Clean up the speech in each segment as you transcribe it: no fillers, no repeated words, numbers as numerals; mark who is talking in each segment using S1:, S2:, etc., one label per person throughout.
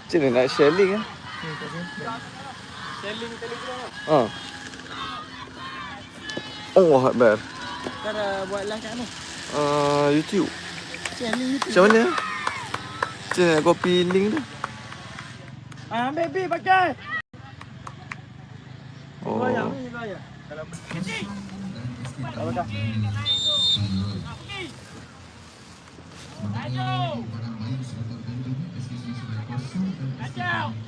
S1: Macam mana nak share link
S2: Selling Telegram lah.
S1: Allah Akbar.
S2: Kau dah buat live kat mana?
S1: YouTube.
S2: Selling YouTube.
S1: Macam mana? Macam mana nak copy link tu?
S2: Ambil B pakai.
S1: Oh.
S2: Goyang ni goyang. Kalau dah. Kacau.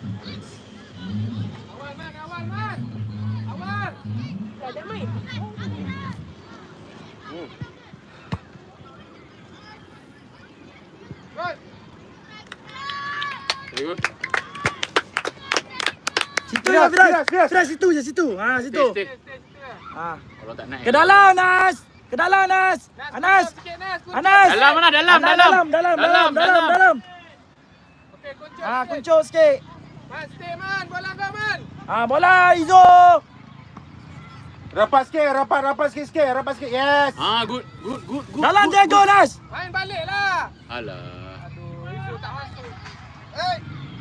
S2: Awal man. Awal. Dah main.
S3: Good.
S2: Situ ya, Firas situ je situ. Situ.
S3: Kalau tak naik.
S2: Ke dalam Nas. Ke dalam Nas. Anas. Anas.
S3: Dalam mana? Dalam.
S2: Dalam. Okey, kuncuk. Kuncuk sikit.
S4: Man, stay man. Bola kau man.
S2: Bola Izo.
S4: Rapat sikit. Yes.
S3: Good.
S2: Dalam jago Nas.
S4: Main balik lah.
S3: Alah.
S4: Aduh, itu tak masuk. Hey.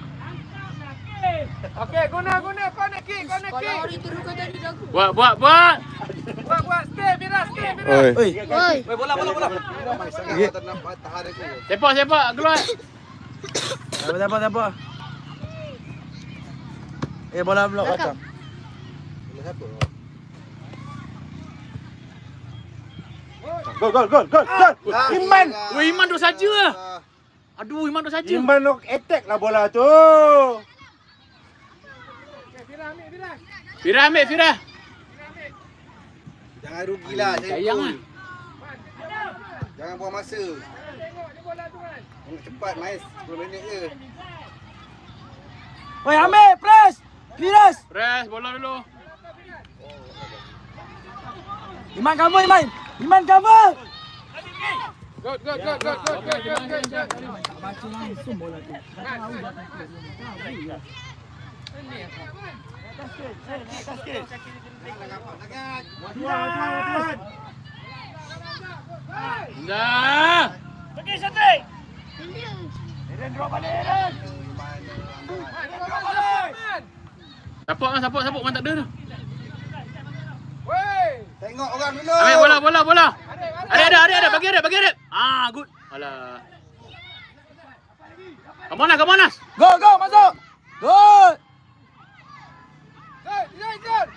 S4: Okey, guna. Connect kick.
S5: Kalau hari terus kau jadi jago.
S3: Buat.
S4: Buat. Stay, Firas.
S1: Oi.
S2: Bola.
S3: Sepak. Keluar.
S2: Siapa? Bola blok belakang.
S4: Gol. Iman.
S3: Weh, Iman duk saja lah. Aduh, Iman duk saja.
S4: Iman nak attack lah bola tu.
S3: Firah ambil, Firah.
S6: Jangan rugilah.
S3: Sayang lah.
S6: Jangan buang masa. Cepat main 10 minit je.
S2: Oi, ambil press. Firas.
S3: Press, bola dulu.
S2: Iman cover. Iman cover.
S4: Good.
S2: Baca langsung bola tu.
S3: Dah.
S2: Pergi setrik.
S3: Sapuk man tak ada tu.
S4: Wey.
S6: Tengok orang dulu.
S3: Ambil bola. Ada. Bagi ada. Good. Alah. Come on, Nas.
S2: Go, masuk. Good.
S4: Good.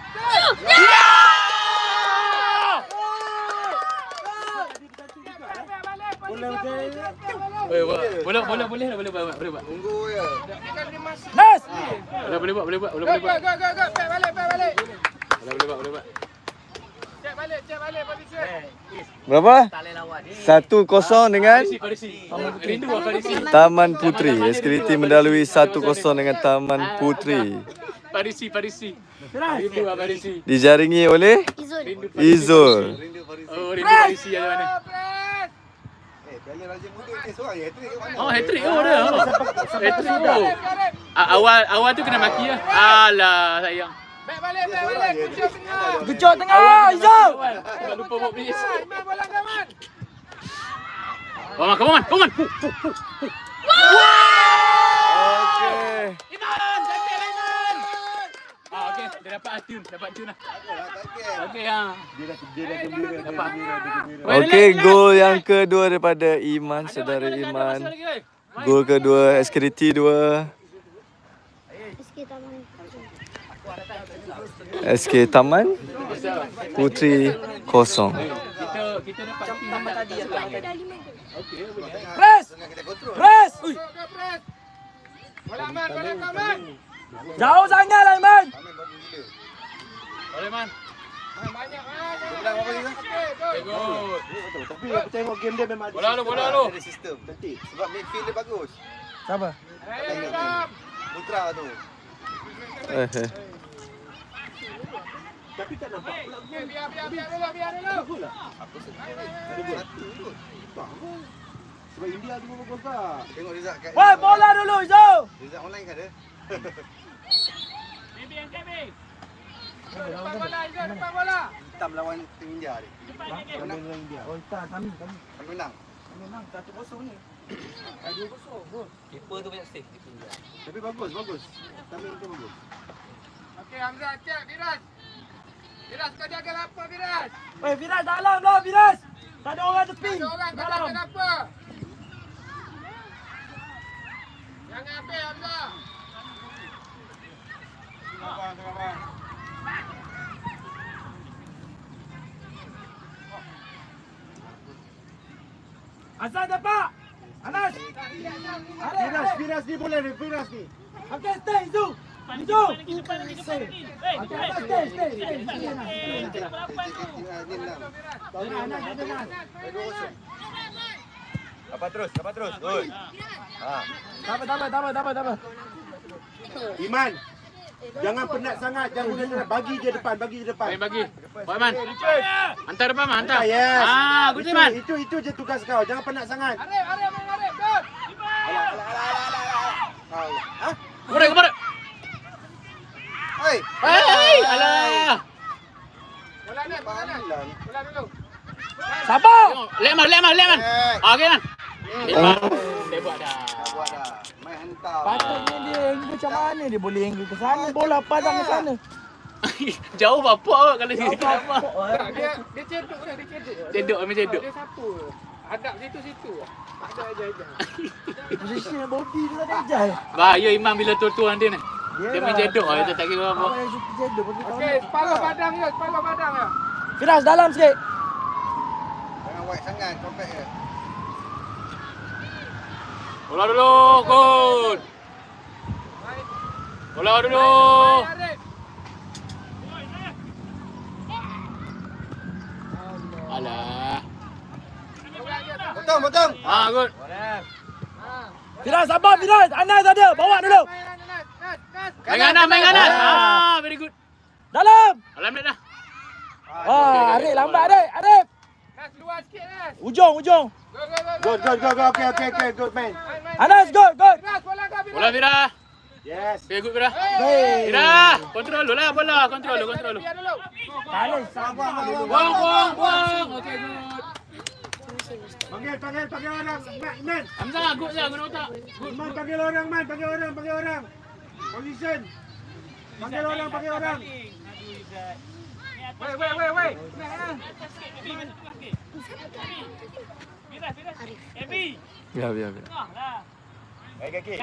S3: Boleh buat.
S6: Tunggu je.
S2: Nas.
S3: Boleh buat.
S4: Go. Back balik.
S3: Boleh buat.
S4: Cek balik posisi.
S1: Berapa? 1-0 dengan
S3: Farisi. Rindu lah Farisi.
S1: Taman Putri. SKT mendalui 1-0 dengan Taman Putri.
S3: Farisi. Rindu lah Farisi.
S1: Dijaringi oleh Izul.
S3: Oh, rindu Farisi ada mana?
S6: Piala Raja Muda ni seorang je hat-trick kat mana?
S3: Oh, hat-trick dia. Hat-trick tu. Awal tu kena maki lah. Alah, sayang.
S4: Back balik. Kuncuk tengah.
S2: Kecok tengah. Izo.
S3: Tak lupa bawa please.
S4: Iman bola kau man.
S3: Come on.
S1: Okey.
S3: Iman, cantik lah Iman. Okey, dia dapat tune lah. Okey,
S4: Dia dah gembira.
S3: Dapat.
S1: Okey, gol yang kedua daripada Iman, saudara Iman. Gol kedua SKT 2. SK Taman Putri 0.
S3: Kita dapat tambah tadi ya. Okey, boleh.
S2: Press. Ui.
S4: Bola kau man.
S2: Jauh sangat lah Iman.
S3: Boleh man.
S4: Banyak.
S6: Bilang apa dia?
S3: Okay, good.
S4: Tapi aku tengok game dia memang
S3: Bola lu.
S6: Ada sistem. Cantik. Sebab midfield dia bagus.
S2: Siapa?
S6: Putra tu.
S4: Tapi tak nampak pula. Biar dulu.
S6: Aku sedih. Satu kot.
S4: Sebab India tu bagus tak?
S6: Tengok Rizak kat.
S2: Woi, bola dulu Izo.
S6: Rizak online kan ada?
S4: Depan bola.
S6: Hitam lawan tim India ni.
S4: India. Oh, tak, kami.
S6: Kami menang.
S4: Kami menang 1-0 ni. Tapi bagus. Timing tu bagus.
S2: Okey, Hamzah, cek Firas. Firas, kau jaga lapar Firas. Weh, Firas dalam lah Firas. Tak ada orang tepi.
S4: Ada orang, kau jaga lapar. Jangan ambil Hamzah.
S2: Azan dapat. Anas.
S4: Firas ni boleh ni, Firas ni.
S2: Okey, stay Zu. Zu. Okey, Anas, stay.
S6: Dapat terus. Good.
S2: Dapat.
S4: Iman. Jangan penat sangat, jangan penat. Bagi je depan.
S3: Bagi. Buat Man. Hantar depan Man, hantar.
S4: Yes.
S3: Good Man.
S4: Itu je tugas kau. Jangan penat sangat.
S2: Arif, good.
S3: Kepara.
S6: Hei.
S3: Alah.
S4: Bola dulu.
S2: Sabar.
S3: Lekman. Okey Man. Dia buat dah.
S6: Buat dah. Main hantar.
S2: Patutnya dia angle macam mana dia boleh angle ke sana, bola padang ke sana.
S3: Jauh bapak kalau dia apa.
S2: Dia cedok dah,
S3: Cedok.
S2: Dia sapu. Hadap situ. Tak ada aja. Posisi body dia tak ajal.
S3: Bahaya Imam bila tuan dia ni. Dia main cedok lah, dia tak kira apa.
S2: Awak yang suka cedok bagi tahu.
S4: Okey, kepala padang ya.
S2: Firas dalam sikit.
S6: Jangan wide sangat, compact je.
S3: Bola dulu, Kun. Bola dulu. Alah.
S6: Potong.
S3: Good.
S2: Firas sabar Firas. Anas ada, bawa dulu.
S3: Main kanan. Very good.
S2: Dalam.
S3: Alhamdulillah.
S2: Arif lambat Arif.
S4: Nas luar sikit Nas.
S2: Ujung.
S4: Go. Okay, good man.
S2: Anas good.
S4: Firas, bola kau Firas.
S3: Bola Fira.
S4: Yes.
S3: Very good Fira.
S2: Baik.
S3: Fira, kontrol dulu lah bola. Kontrol dulu.
S4: Biar dulu.
S2: Talis sabar.
S3: Buang. Okay, good.
S4: Panggil orang. Man.
S3: Hamzah, good je. Guna otak. Good.
S4: Man, panggil orang. Position. Panggil orang. Wait.
S1: Biar.
S6: Baik kaki.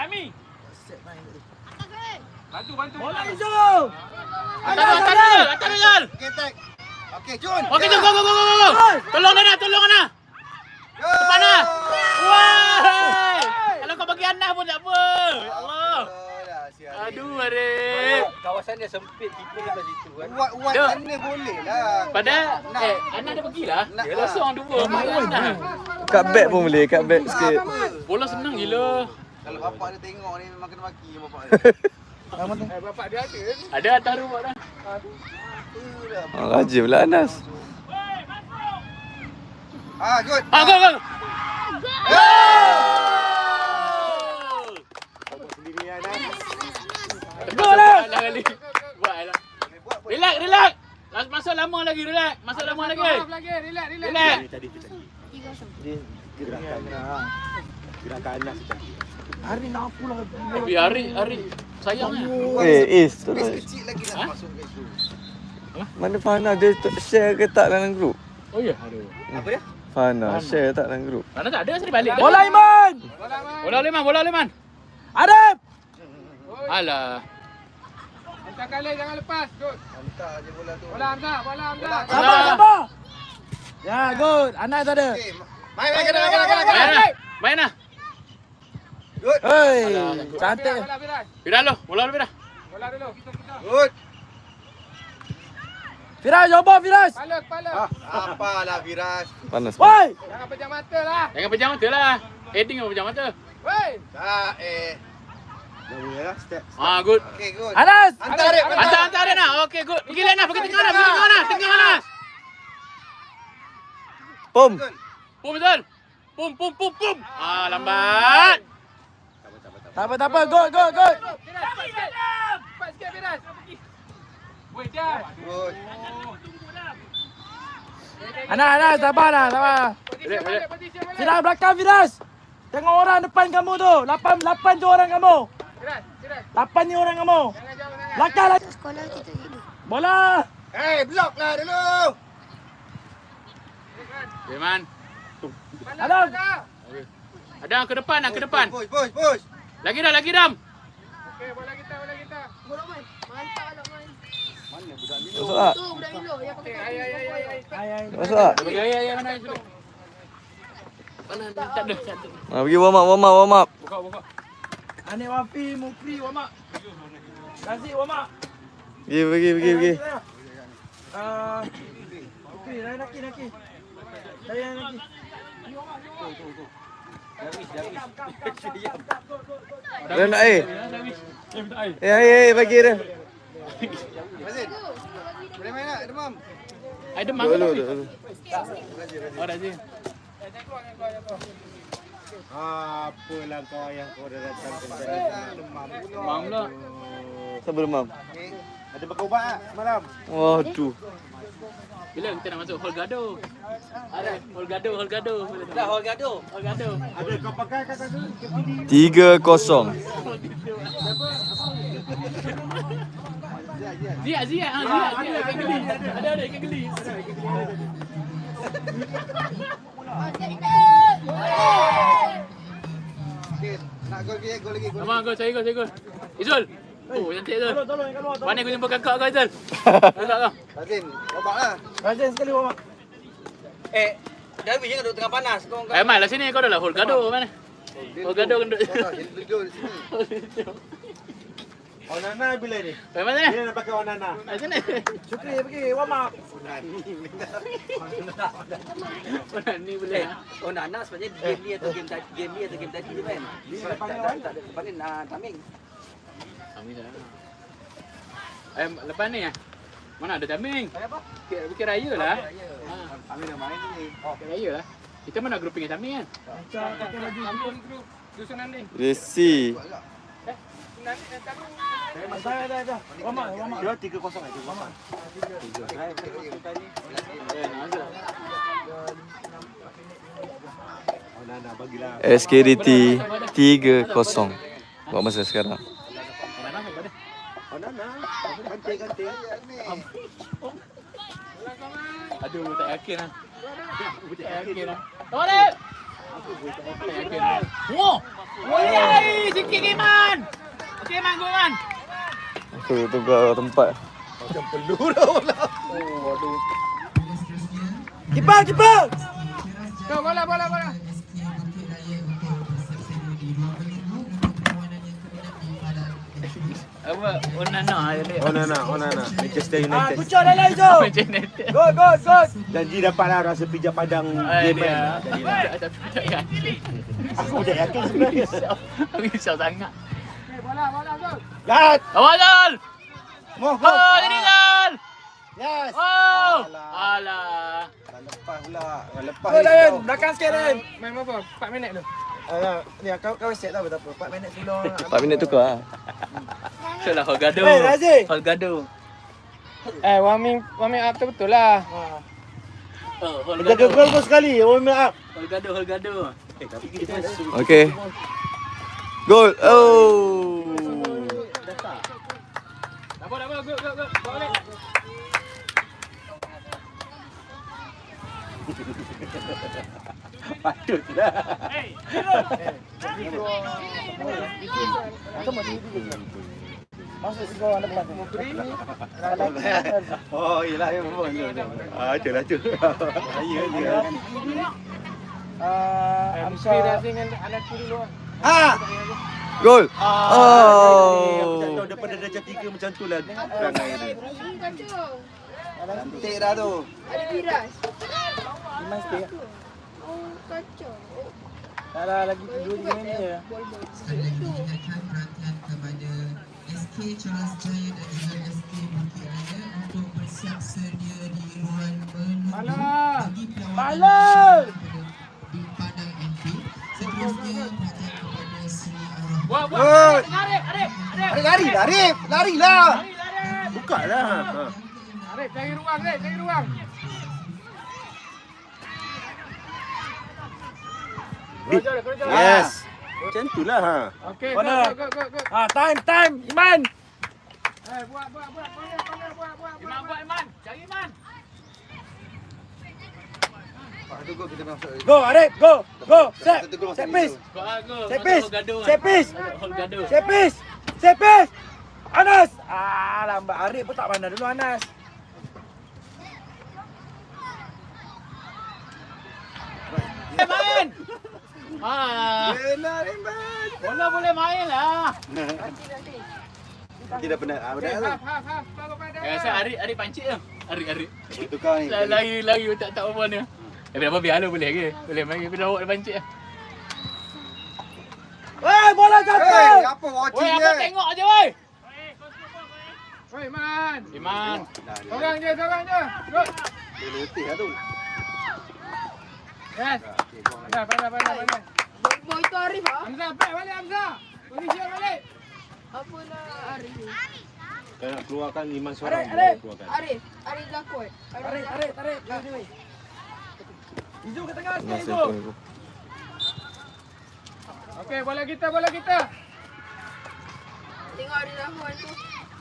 S4: Bantu.
S2: Bola hijau.
S3: Atas Rizal.
S6: Okey, tag. Okey, Jun.
S3: Okey, go. Tolong Ana. Depan Ana. Wah. Kalau kau bagi Ana pun tak apa. Ya Allah. Aduh, Arif.
S7: Kawasan dia sempit, keeper dia kat situ kan.
S6: Uat
S3: Duk.
S6: sana boleh lah.
S3: Padahal Ana dah pergilah. Kosong dua. Ana.
S1: Kat back pun boleh, kat back sikit.
S3: Bola senang gila.
S6: Kalau bapak dia tengok ni memang kena maki bapak dia.
S4: Bapak dia ada.
S3: Ada atas rumah dah.
S1: Rajin pula Anas.
S6: Good.
S3: Go.
S4: Sendiri Nas.
S3: Gol lah. Buatlah. Relax. Masuk lama lagi, relax. Relax.
S4: Gerakan Nas cantik.
S2: Hari nak aku lah.
S3: Hari sayangnya.
S1: Is tu
S6: Base
S1: lah.
S6: kecil lagi nak masuk kat situ.
S1: Mana Fana dia share ke tak dalam grup?
S3: Oh ya, aduh.
S6: Apa dia?
S1: Fana share tak dalam grup?
S3: Mana tak ada sini balik.
S2: Bola Iman.
S3: Bola Leman.
S2: Arif.
S3: Alah.
S4: Hantar kali jangan lepas. Good.
S6: Hantar je bola tu.
S4: Bola Hamzah.
S2: Sabar. Ya, good. Anas ada.
S6: Okey, main.
S3: Main lah.
S6: Good.
S2: Hei, cantik.
S4: Bola Firas.
S3: Bola dulu.
S4: Bola dulu.
S6: Good.
S2: Firas, coba Firas.
S4: Kepala.
S6: Apalah Firas.
S1: Panas.
S2: Woi.
S4: Jangan pejam mata lah.
S3: Jangan pejam mata lah. Heading apa pejam mata.
S4: Woi.
S6: Tak
S4: Dah boleh lah. Step.
S3: Good.
S6: Okey, good.
S2: Anas.
S6: Hantar dia.
S3: Hantar dia nak. Okey, good. Pergi lain lah. Pergi tengah lah. Tengah lah.
S1: Pum.
S3: Pum betul. Pum. Lambat.
S2: Tak apa. Good.
S4: Firas. Cepat sikit Firas. Woi, dah.
S6: Good.
S2: Anas, sabar.
S4: Posisi balik.
S2: Firas belakang Firas. Tengok orang depan kamu tu. 8 tu orang kamu. 8 ni orang kamu. Belakang lagi.
S5: Sekolah kita hidup.
S2: Bola.
S6: Blok lah dulu.
S3: Iman.
S2: Adam.
S3: Ada ke depan, ke depan.
S6: Push.
S3: Lagi Dam.
S5: Bola main. Mantap lah main.
S1: Masuk tak?
S5: Tu budak Milo yang pakai kaki.
S1: Masuk tak?
S3: Ya, mana itu? Tak ada.
S1: Pergi warm up.
S3: Buka.
S2: Anik Wafi, Mufri, Wamak. Kasih Wamak.
S1: Pergi.
S2: Mufri, Naki. Saya Naki.
S1: Dah nak air? Air bagi dia.
S6: Mazin. Boleh main tak? Demam.
S3: Ai demam.
S1: Dulu.
S3: Oh, Razin.
S4: Apalah kau yang kau dah datang ke sini.
S3: Demam pula.
S1: Siapa demam?
S4: Ada pakai ubat tak semalam?
S1: Waduh.
S3: Bila kita nak masuk hall gado? Ada hall gado.
S7: Dah hall gaduh.
S4: Ada kau pakai kat sana?
S1: 3-0.
S3: Zia. Ikan geli. Ada ikan geli.
S6: Okey, nak gol lagi.
S3: Abang gol, saya gol. Izul. Oh, cantik Izul.
S2: Tolong yang keluar.
S3: Mana aku jumpa kakak kau Izul? Kakak kau.
S6: Mazin, babak lah.
S2: Rajin sekali Wamak.
S7: Darwish jangan duduk tengah panas. Kau
S3: Eh, Mal lah sini kau dah lah hall gado mana? Hall gado kan duduk.
S6: Duduk di sini.
S4: Onana bila ni?
S3: Mana?
S4: Bila nak pakai onana?
S3: Sini.
S2: Syukri pergi Wamak.
S3: Mana ni boleh?
S7: Oh Nana sebenarnya game ni atau game tadi je kan. Tak ada panggil Taming.
S3: Kami dah. Lepas ni mana ada Taming? Bukit Raya lah.
S6: Kami dah main ni.
S3: Bukit Raya lah. Kita mana grouping Taming kan?
S1: Resi.
S2: Dah. Wamak.
S4: Dia 3-0 aja. Onana bagilah.
S1: SKDT 3-0. Buat masa sekarang.
S4: Onana ganti.
S3: Aduh, tak yakin lah. Tak yakin lah. Tolak! Tak yakin lah. Wah! Woi, sikit Iman! Okey, Iman, go Iman!
S1: Aku tukar tempat.
S2: Kiper. Bola.
S3: Apa?
S4: Onana. Manchester United.
S2: Kucur dah Izo.
S3: Macam ni.
S2: Gol.
S4: Janji dapatlah rasa pijak padang game kan.
S3: Tak yakin.
S4: Aku tak yakin sebenarnya.
S3: Aku risau sangat.
S2: Bola Zul.
S4: Gat.
S3: Awal Zal!
S6: Moh.
S3: Oh, jadi Zal!
S6: Yes.
S3: Oh! Alah.
S6: Lepas pula. Lepas.
S2: Gol Dayan. Belakang sikit Dayan. Main berapa? 4 minit tu. Ni kau set tak apa. 4 minit sebelum.
S1: 4 minit tukar lah.
S3: Itulah hall gado.
S2: Razif.
S3: Hall gado.
S2: Warming up tu betul lah.
S3: Oh, hall
S4: Jaga
S3: gado.
S4: gol sekali. Warm up.
S3: Hall gado.
S4: Tapi kita
S1: Okey. Gol. Oh.
S3: Apa, go. Balik.
S4: patutlah.
S2: Masuk sekolah anda belakang.
S4: Oh, iyalah yang memang. Itulah tu. Saya dia.
S2: Amsa dengan anak kiri luar.
S1: Gol.
S4: Aku tak tahu depan dah jam 3 macam tu lah. Perangai dia.
S5: Kacau.
S6: Cantik dah tu.
S5: Ada Firas.
S2: Iman sikit.
S5: Oh, kacau.
S2: Tak lah lagi 2 minit ni je.
S5: Bol-bol.
S8: kepada SK Charles Jaya dan juga SK Bukit Raya untuk bersiap sedia di ruang menunggu bagi perlawanan di Padang MP. Seterusnya perhatian kepada Sri Arwah.
S6: Larilah.
S4: Buka lah.
S2: Arif, cari ruang.
S4: Yes. Macam itulah ha.
S2: Okey,
S3: Mana?
S2: go.
S3: Time, Iman.
S2: Buat.
S3: Iman buat Iman. Cari Iman.
S6: Satu gol kita masuk.
S3: Go, Arif, go. Set.
S6: Satu gol masuk.
S3: Set piece.
S2: Go.
S3: Set piece.
S2: Gaduh.
S3: Set piece.
S2: Gaduh.
S3: Set piece. Anas. Lambat. Arif pun tak pandai dulu Anas.
S2: Main.
S6: Benar, Iman.
S2: Bola boleh main lah.
S6: Tidak benar. Benar lah.
S2: Half. Baru pada.
S3: Rasa Arif pancit tu. Arif.
S6: Tukar ni.
S3: Lari tak apa ni. Tapi apa biar boleh ke? Boleh main tapi lawak dia pancit ah. Weh, bola jatuh.
S6: Apa watching
S3: Weh,
S6: dia?
S3: apa tengok aje weh.
S2: Oi, Man.
S3: Iman.
S2: Sorang je. Go.
S6: Dia letih lah tu.
S2: Yes. Pandai.
S5: Boy tu Arif ah.
S2: Hamzah, back balik Hamzah. Position balik.
S5: Apalah Arif.
S4: Kalau nak keluarkan Iman seorang,
S3: Arif.
S4: keluarkan.
S5: Arif Zakot.
S3: Tarik. Izu ke tengah sikit
S1: Masih
S3: Izu.
S1: tu.
S2: Okey, bola kita.
S5: Tengok Arif Zakot tu.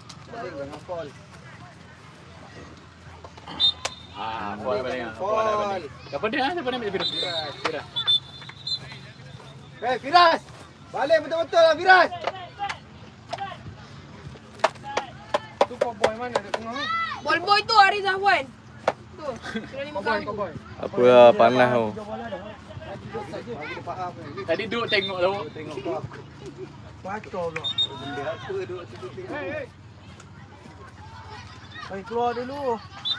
S3: Bola balik. Apa dia? Siapa nak ambil Firas?
S6: Firas. Balik betul-betul lah Firas.
S2: Tu boy mana dekat tengah ni?
S5: Ball boy tu Arif Zakot. Tu. Kena 5 kali.
S2: Boy.
S1: Apa lah panas tu.
S6: Dia faham ni.
S3: Tadi duduk tengok tu.
S6: Tengok apa.
S3: Pacau pula.
S6: Benda apa duduk situ tengok.
S2: Hey.
S3: Mari keluar dulu.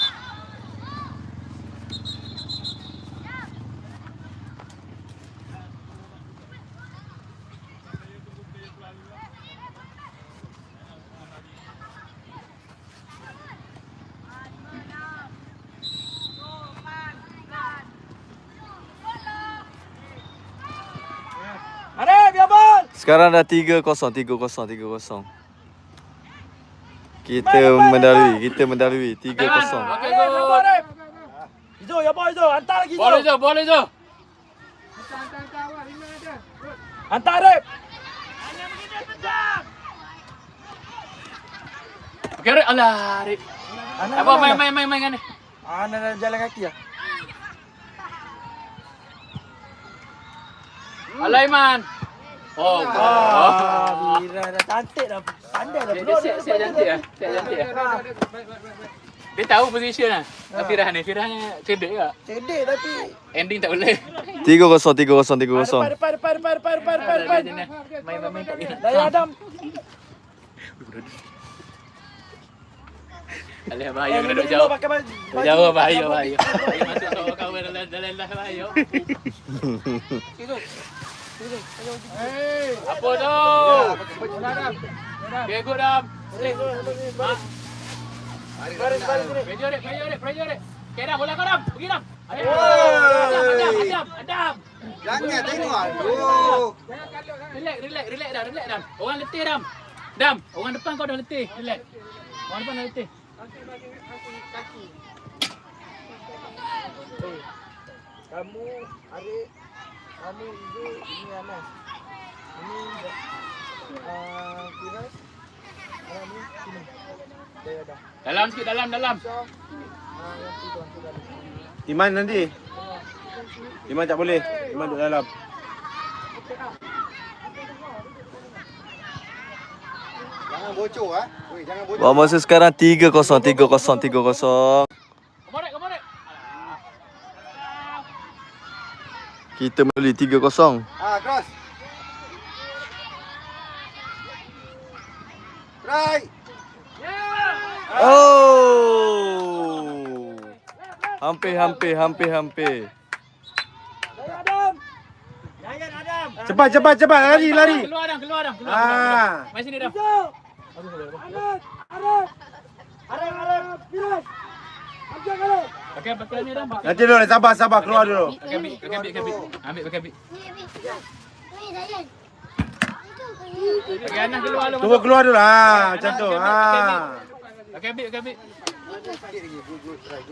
S3: Arif, biar bal.
S1: Sekarang dah 3-0. Kita mendalui 3-0.
S3: Okey, go. Arif. Izu, ya bal Izu. Hantar lagi Izu. Bola Izu.
S2: Hantar awak 5 ada. Good.
S3: Hantar Arif. Okey, Arif. Alah, Arif. Apa main kan ni? Ana dah jalan kaki ah. Alah Iman. Oh, Mira dah cantik dah. Pandai dah bro.
S2: Baik.
S3: Dia tahu position lah. Firah ni cedek ke? Cedek tapi ending tak boleh.
S1: 3-0.
S3: Depan. Main tak boleh. Daya Adam. Alah bahaya kena duduk jauh. Jauh bahaya. Bahaya masuk seorang kawan dalam bahaya.
S2: Hey.
S3: Apa tu? Okay, good Dam. Pressure. Okay Dam, bola kau Dam. Pergi Dam. Adam.
S6: Jangan tengok. Aduh.
S3: Relax Dam. Orang letih Dam, orang depan kau dah letih. Relax. Orang depan dah letih. Kamu, Arif, kamu Izu, ini Anas. Ini Firas. Anak ni sini. Dah. Dalam sikit, dalam.
S4: Iman nanti. Iman tak boleh. Iman duduk dalam.
S6: Jangan bocor ah. Oi, jangan bocor.
S1: Buat masa sekarang 3-0.
S3: Kemarin.
S1: Kita mendalui 3-0.
S6: Cross. Try.
S1: Oh. Hampir.
S4: Cepat. Lari.
S3: Keluar Dam. Mai sini Dam. Pakai ni Dam.
S4: Nanti dulu sabar keluar dulu.
S3: Pakai bit. Ambil pakai bit. Pakai Anas keluar dulu.
S4: Tunggu keluar dulu. Macam tu.
S3: Pakai bit.
S6: Sikit lagi. Good. Try.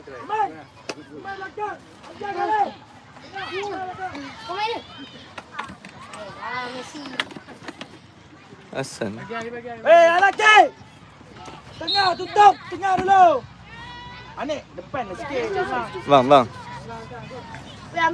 S1: Hasan.
S2: Anaki! Tengah tutup, tengah dulu. Anik, depan lah sikit.
S1: Bang.